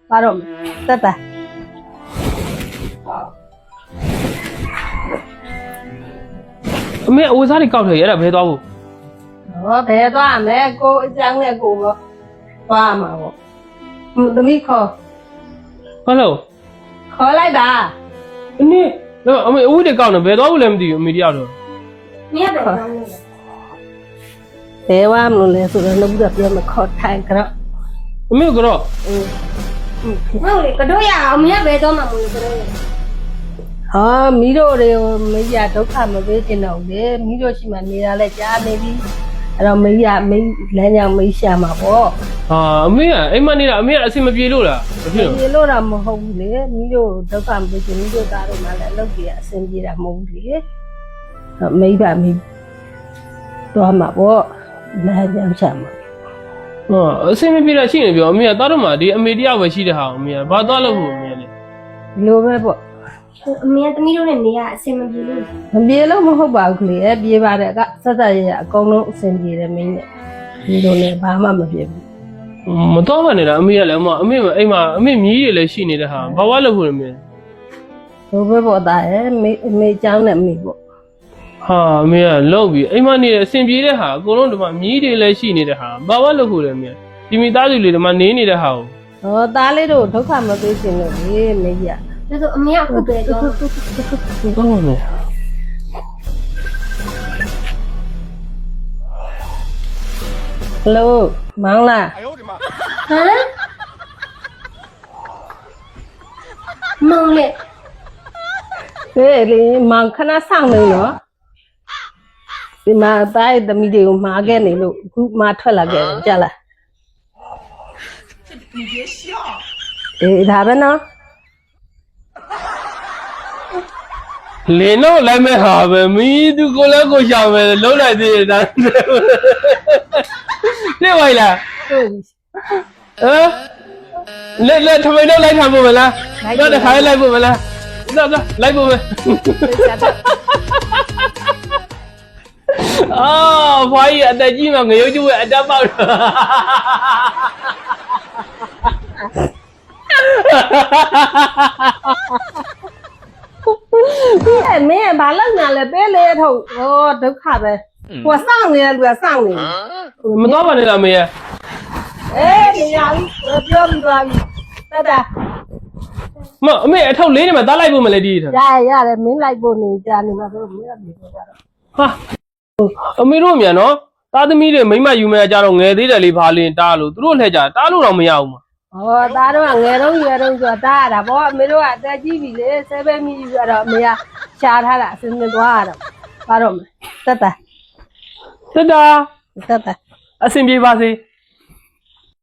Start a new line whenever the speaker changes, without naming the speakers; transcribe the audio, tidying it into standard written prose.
ဘာတော့တက်တာ
အမေအဝစားတွေကောက်တယ်ရတာဘယ်သွားဖို့
ဟောဘယ်သွားမလဲကိုအကြောင်းနဲ့ကိုတော့သွားမှာပေါ့သမီးခေါ်
ဘာလို့
ခေါ်လိုက်တာ
အမေတော့အမေအဝတွေကောက်နေဘယ်သွားဖို့လဲမသိဘူးအမေတယောက်တော့
မြတ်တယ်ကောင်းလို့
ဘယ်ဝါမလို့လဲဆိုတော့လည်းပြောမခေါ်ထိုင်ကြတော့
အမေကတော့
ဟုတ်လေကတော့ရအောင်မြတ်ပဲတော့မှမလို့ကတော့
ဟာမိတို့တွေကိုမိရဒုက္ခမပေးချင်တော့လေမိတို့ရှိမှနေတာလဲကြားနေပြီအဲ့တော့မိရမိလမ်းကြောင်မိရှာမှာပေါ့
ဟာအမေကအိမ်မနေတာအမေကအဆင်မပြေလို့လားမဖြစ်တော့
ပြေလို့တော့မဟုတ်ဘူးလေမိတို့ဒုက္ခမပေးချင်မိတို့သားတို့မှလည်းအလုပ်ကြီးအဆင်ပြေတာမဟုတ်ဘူးလေမိဘမိတော့မှာပေါ့လမ်းကြောင်ရှာမှာ
ဟောအဆင်မပြေတာရှိနေပြောအမေကသားတော့မှဒီအမေတယောက်ပဲရှိတဲ့ဟာအမေကဘာသွားလို့ဖို့အမေလေ
ဒီလိုပဲပေါ့
အမေသမီးတို့နဲ့နေရအဆင်မပြေလို့
မပြေလို့မဟုတ်ပါဘူးလေပြေပါတယ်ကဆက်ဆက်ရရအကုန်လုံးအဆင်ပြေတယ်မင်းနဲ့ဒီလိုနဲ့ဘာမှမပြေဘူး
မတော်ပါနဲ့လားအမေကလည်းအမေအိမ်မှာအမေမြည်တွေလည်းရှိနေတဲ့ဟာဘာဝလို့ဖို့လဲအမေ
လိုပဲပေါ့သားရဲ့မေเจ้าနဲ့မေပေါ့
ဟာအမေကလောက်ပြီးအိမ်မနေတဲ့အဆင်ပြေတဲ့ဟာအကုန်လုံးဒီမှာမြည်တွေလည်းရှိနေတဲ့ဟာဘာဝလို့ဖို့လဲအမေဒီမိသားစုလေးဒီမှာနေနေတဲ့ဟာကို
ဟောသားလေးတို့ဒုက္ခမပေးချင်လို့လေမေကြီး
ဒါဆိုအမေကခုပဲတော့
တော့မယ်
ဟယ်လိုမောင်လား
ဟမ်မောင်လေ
ဟေးလေမောင်ခဏဆောင်နေနော်ဒီမှာသားရဲ့သမီးတွေကိုမှာခဲ့နေလို့အခုမှထွက်လာခဲ့တယ်ကြားလားအေးဒါပဲနော်
လင်းတော့လိုက်မဲ့ဟာပဲမီးသူကိုလည်းကိုရှာမယ်လုံးလိုက်သေးတယ်ဒါသိပါလား
ဟုတ်ပြီ
လက်ထမိန်တော့လိုက်ထားဖို့မလားတော့တစ်ခါလိုက်ဖို့မလားတော့လိုက်ဖို့မယ်အော်ဖွားကြီးအသက်ကြီးမှငရုတ်ကျူရဲ့အတက်ပေါက်တော့
အဲ့မင်းဘာလုပ်ညာလဲပေးလေထုတ်ဟောဒုက္ခပဲဟိုစောင့်နေရလူကစောင့်နေ
မတော်ပါနဲ့လားမေး
အေးမရဘူးပြောပြီးသွားပြီတက်တာ
မအမေအထောက်လေးနေမှာတားလိုက်ဖို့မလဲဒီထ
ရတယ်မင်းလိုက်ဖို့နေကြနေမှာတော့မင်းကပြေတော့ကြတော့
ဟာအမေတို့မြန်နော်သားသမီးတွေမိမယူမဲ့ကြတော့ငယ်သေးတယ်လေဘာလင်းတားလို့သူတို့လှည့်ကြတားလို့တော့မရဘူးမှာ
ဟောသားတော့ငယ်တော့ရွယ်တော့ဆိုတားရတာဗောအမေတို့ကအသက်ကြီးပြီလေ7မိပြီဆိုတော့အမေကရှားထားတာအစင်းစင်းသွားရတော့ဘာတော့မလဲတက်တာ
တက်တာ
တက်တာ
အဆင်ပြေပါစေ